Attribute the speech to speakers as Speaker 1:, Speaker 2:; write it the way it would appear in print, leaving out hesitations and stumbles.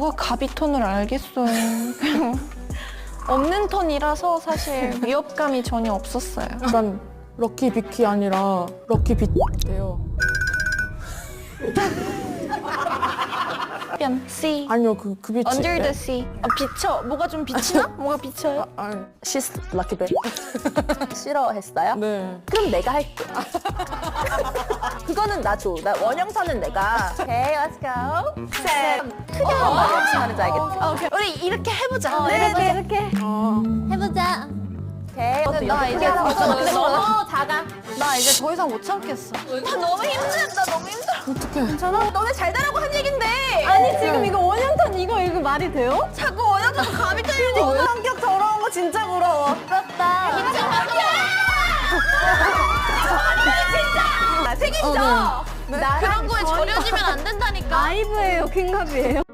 Speaker 1: 누가 가비톤을 알겠어요. 없는 톤이라서 사실 위협감이 전혀 없었어요.
Speaker 2: 약간 럭키 비키 아니라 럭키 비예요.
Speaker 1: 뺨 C.
Speaker 2: 아니요, 그 빛이.
Speaker 1: Under the sea. 아, 비쳐. 뭐가 좀 비치나? 뭐가 비쳐요?
Speaker 2: 아니,
Speaker 3: She's lucky bitch. 싫어했어요?
Speaker 2: 네.
Speaker 3: 그럼 내가 할게. 그거는 나 줘. 나 원형선은 내가. Okay, let's go. 셋. 특이한 말이 무슨 말인지 알겠지?
Speaker 1: 오케이. 우리 이렇게 해보자.
Speaker 3: 네, 이렇게.
Speaker 4: 해보자.
Speaker 3: 오케이.
Speaker 1: 근데 나 이제
Speaker 3: 근데 너무 작아.
Speaker 1: 나 이제 더 이상 못 참겠어. 나 너무 힘들다. 너무 힘들어.
Speaker 2: 어떡해.
Speaker 3: 괜찮아? 너네 잘 되라고 한 얘긴데.
Speaker 4: 아니 지금 이거 원형탄 이거 말이 돼요?
Speaker 1: 자꾸 원하던 감이 떨리고.
Speaker 3: 성격 더러운 거 진짜 부러워.
Speaker 4: 부럽다.
Speaker 3: 책임져.
Speaker 1: 그런 거에 절여지면 안 된다니까.
Speaker 4: 아이브예요, 킹갑이에요?